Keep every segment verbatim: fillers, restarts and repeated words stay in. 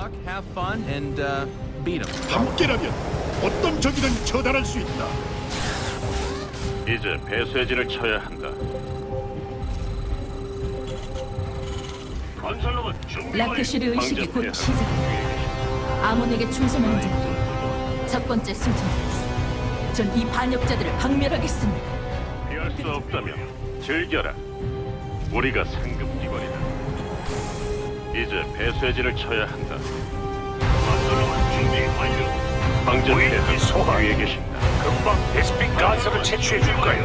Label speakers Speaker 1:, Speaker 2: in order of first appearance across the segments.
Speaker 1: luck, have fun, and uh, beat them.
Speaker 2: 함께라면 어떤 적이든 처단할 수 있다.
Speaker 3: 이제 배쇄진을 쳐야 한다. 건설로봇 준비 완료.
Speaker 4: 라크슈르 의식이 곧
Speaker 3: 방전해야
Speaker 4: 시작됩니다. 아몬에게 충성하는 자들이 첫 번째 승천자였어. 전 이 반역자들을 박멸하겠습니다.
Speaker 3: 피할 수 없다면 즐겨라. 우리가 상급기관이다. 이제 배쇄진을 쳐야 한다. 건설로봇 준비 완료. 방전해야
Speaker 5: 우리 소환.
Speaker 3: 위에 계신다.
Speaker 5: 금방 베스핀 가스를 채취해 줄 거예요.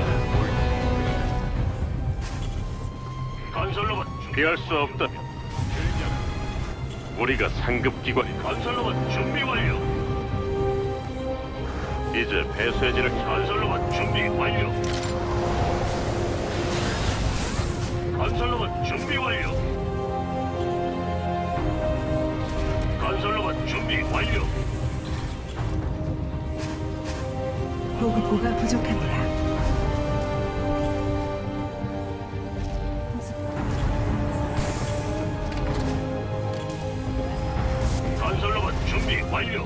Speaker 3: 건설로봇 피할 수 없다면 즐겨라. 우리가 상급기관이다. 건설로봇 준비 완료. 이제 배쇄진을 건설로봇 준비 완료. 건설로봇 준비 완료. 건설로봇 준비 완료.
Speaker 4: 보급고가 부족합니다.
Speaker 3: 건설로봇 준비 완료.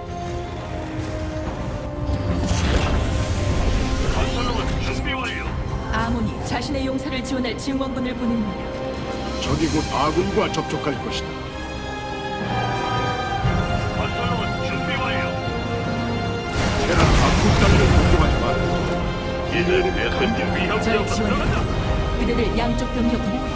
Speaker 3: 건설로봇 준비 완료.
Speaker 4: 아몬이 자신의 용사를 지원할 증원군을 보냅니다.
Speaker 2: 적이 곧 아군과 접촉할 것이다.
Speaker 3: 건설로봇 준비 완료.
Speaker 2: 테란 한국 땅을 공격하지 마라.
Speaker 3: 이제 배쇄진 위협
Speaker 4: 절
Speaker 3: 지역으로 들어간다.
Speaker 4: 지원합니다. 그대들 양쪽 병력 모두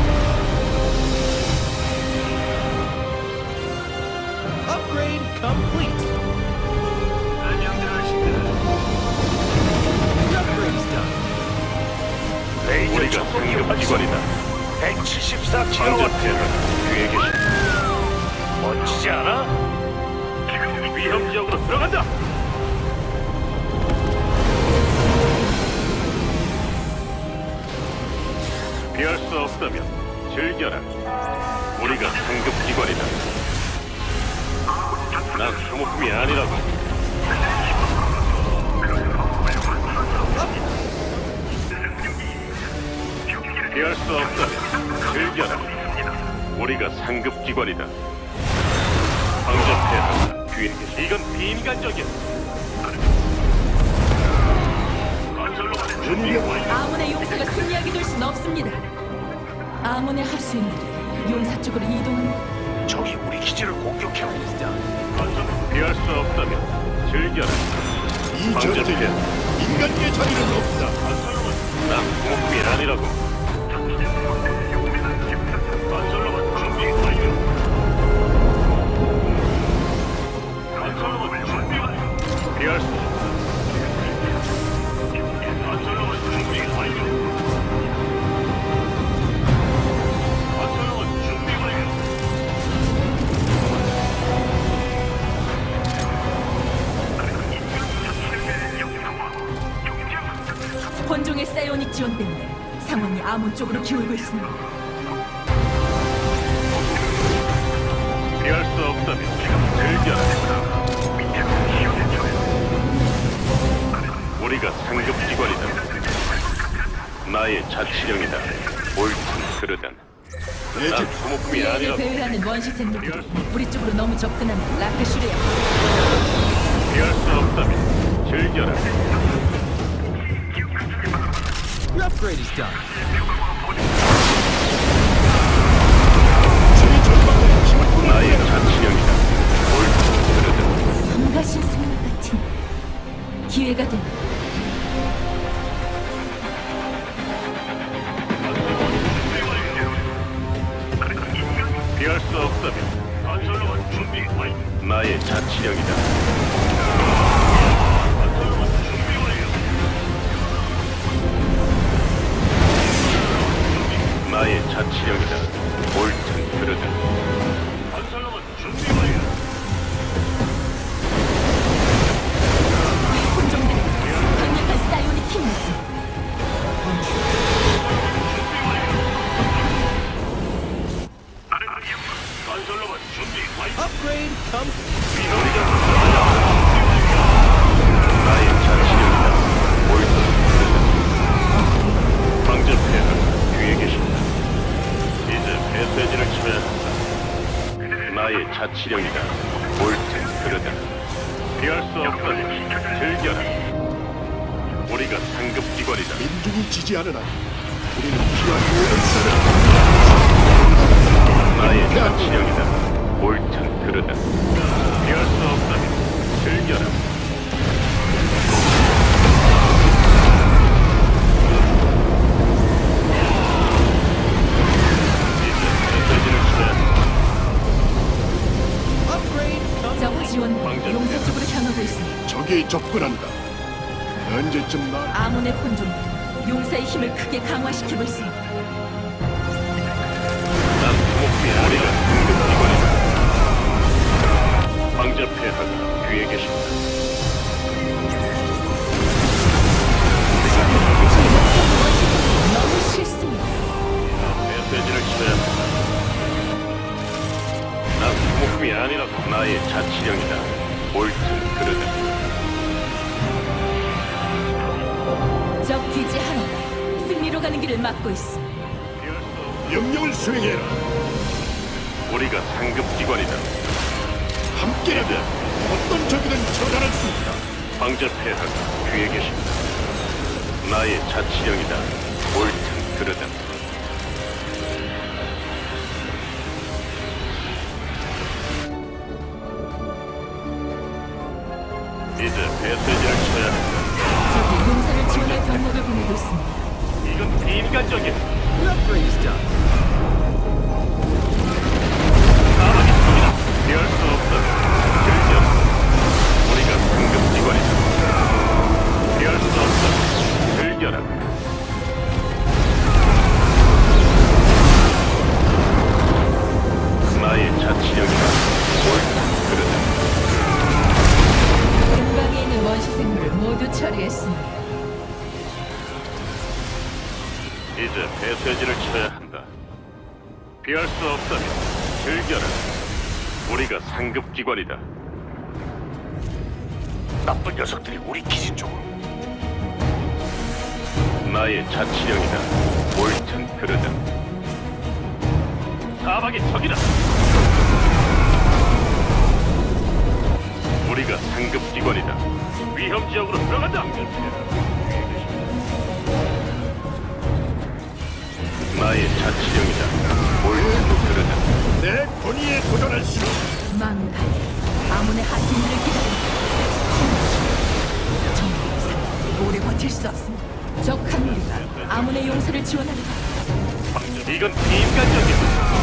Speaker 1: Upgrade complete.
Speaker 3: 안녕들 하십니다.
Speaker 1: The upgrade's done.
Speaker 5: 레이저
Speaker 3: 우리가
Speaker 5: 청동기 활성.
Speaker 3: 상급기관이다.
Speaker 5: 백칠십사 킬로와트.
Speaker 3: 방전해야 위에 계신다.
Speaker 5: 멋지지 않아?
Speaker 3: 위협 지역으로 들어간다. 피할 수 없다면 즐겨라. 우리가 상급기관이다. 난 소모품이 아니라고. 피할 수 없다면 즐겨라. 우리가 상급기관이다. 방접해야 한다. 뒤에 계시. 이건 비인간적이야. 건설로봇 준비 완료.
Speaker 4: 아몬의 용사가 승리하게 될 수는 없습니다. 아몬의 합수인들이 용사 쪽으로 이동합니다.
Speaker 5: 적이 우리 기지를 공격해.
Speaker 1: Is done.
Speaker 3: 건설 피할 수 없다면 즐겨라.
Speaker 2: 이
Speaker 3: 방접해.
Speaker 2: 전쟁에 인간의 자리는 없다.
Speaker 3: 난 소모품이 아니라고. 건설로봇 준비 완료. 건설로봇 준비 완료. 피할 수 없다. 건설로봇 준비 완료. 건설로봇 준비 완료.
Speaker 4: 혼종의 사이오닉 지원 때문에 상황이 아몬 쪽으로 기울고 있습니다.
Speaker 3: 피할 수 없다면 즐겨라. 우리가 상급기관이다. 나의 자치령이다. 옳든 그르든.
Speaker 2: 내
Speaker 3: 난
Speaker 2: 집
Speaker 3: 소모품이
Speaker 4: 피해를
Speaker 3: 아니라고.
Speaker 4: 배회하는 원시 생물들이 우리 쪽으로 너무 접근하면 라크슈르야.
Speaker 3: 피할 수 없다면 즐겨라.
Speaker 1: The upgrade is done.
Speaker 2: 최전방의 힘을
Speaker 3: 나의 자치령이다. 옳든 그르든.
Speaker 4: 성가신 생물 같은 기회가 된다.
Speaker 3: 피할 수 없다면 건설로봇 준비 완료. 나의 자치령이다. 건설로봇 준비 완료. 나의 자치령이다. 옳든 그르든. 건설로봇 준비 완료.
Speaker 4: 혼종들이
Speaker 3: 수 없다면 즐겨라. 우리가 상급 기관이다.
Speaker 2: 민중이 지지하는 한 우리는 필요한 모든 쌀을
Speaker 3: 나의 자치령이다. 옳든 그르다. 피할 수 없다면 즐겨라. 이제 메시지를 주자.
Speaker 1: Upgrade
Speaker 4: 적
Speaker 1: complete.
Speaker 4: 지원 용사 쪽으로 향하고 있습니다.
Speaker 2: 적이 접근한다. 언제쯤 날
Speaker 4: 아몬의 혼종 용사의 힘을 크게 강화시키고 있습니다.
Speaker 3: 난 주목비야. 우리가 상급 기관이다. 황제 폐하가 뒤에 계신다.
Speaker 4: 제 목표 원시들이 너무 싫습니다.
Speaker 3: 메시지를 쳐야 한다. 난 주목품이 아니라고. 나의 자치령이다. 옳든 그르다.
Speaker 4: 적 기지 하나가 승리로 가는 길을 막고 있어.
Speaker 2: 명령을 수행해라.
Speaker 3: 우리가 상급 기관이다.
Speaker 2: 함께라면 어떤 적이든 처단할 수 있다.
Speaker 3: 황제 폐하가 뒤에 계신다. 나의 자치령이다. 옳든 그르다. 이제 메시지를 쳐야 한다.
Speaker 4: 적이 용사를 지원할 병력을 보내고 있습니다.
Speaker 3: 이건 비인간적인
Speaker 1: The upgrade is done.
Speaker 3: 사막의 적이다. 피할 수 없다. 즐겨. 우리가 상급 기관이다. 피할 수 없다. 즐겨라. 나의 자치령이다. 옳다. 그러다.
Speaker 4: 근방에 있는 원시 생물을 모두 처리했습니다.
Speaker 3: 이제 메시지를 쳐야 한다. 피할 수 없다면 즐겨라. 우리가 상급 기관이다.
Speaker 5: 나쁜 녀석들이 우리 기지 쪽으로.
Speaker 3: 나의 자치령이다. 옳든 그르다. 사막의 적이다. 우리가 상급 기관이다. 위험 지역으로 들어간다. 나의 자치령이다. 옳든 그르다.
Speaker 2: 내 권위에 도전할 수
Speaker 4: 망갈 아몬의 하수인을 기다린다. 정말 이상 오래 버틸 수 없습니다. 적 한 무리가 아몬의 용사를 지원하려
Speaker 3: 이건 비인간적이다.